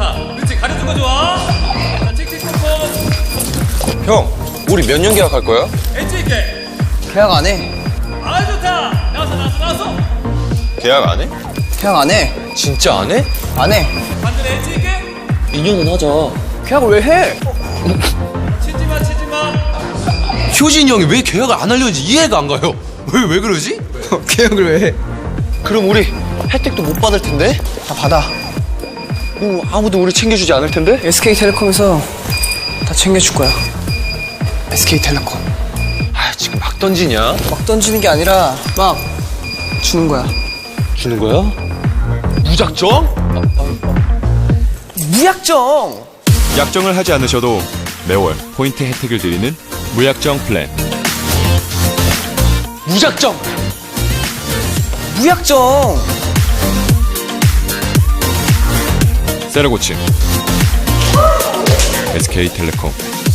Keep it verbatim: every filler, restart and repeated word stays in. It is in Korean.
좋다. 그렇지, 가려준 거 좋아. 자, 칙칙 콤콤. 형, 우리 몇 년 계약할 거야? 엣지 있게. 계약 안 해. 아, 좋다. 나왔어, 나왔어, 나왔어. 계약 안 해? 계약 안 해. 진짜 안 해? 안 해. 반대로 엣지 있게. 이 년은 하자. 계약을 왜 해? 치지 마, 치지 마. 효진이 형이 왜 계약을 안 하려는지 이해가 안 가요. 왜, 왜 그러지? 계약을 왜 해? 그럼 우리 혜택도 못 받을 텐데? 다 받아. 뭐 아무도 우리 챙겨주지 않을 텐데? 에스케이텔레콤에서 다 챙겨줄 거야. 에스케이텔레콤. 아, 지금 막 던지냐? 막 던지는 게 아니라 막 주는 거야. 주는 거야? 무작정? 무약정! 약정을 하지 않으셔도 매월 포인트 혜택을 드리는 무약정 플랜. 무작정! 무약정! 세라고치 에스케이텔레콤.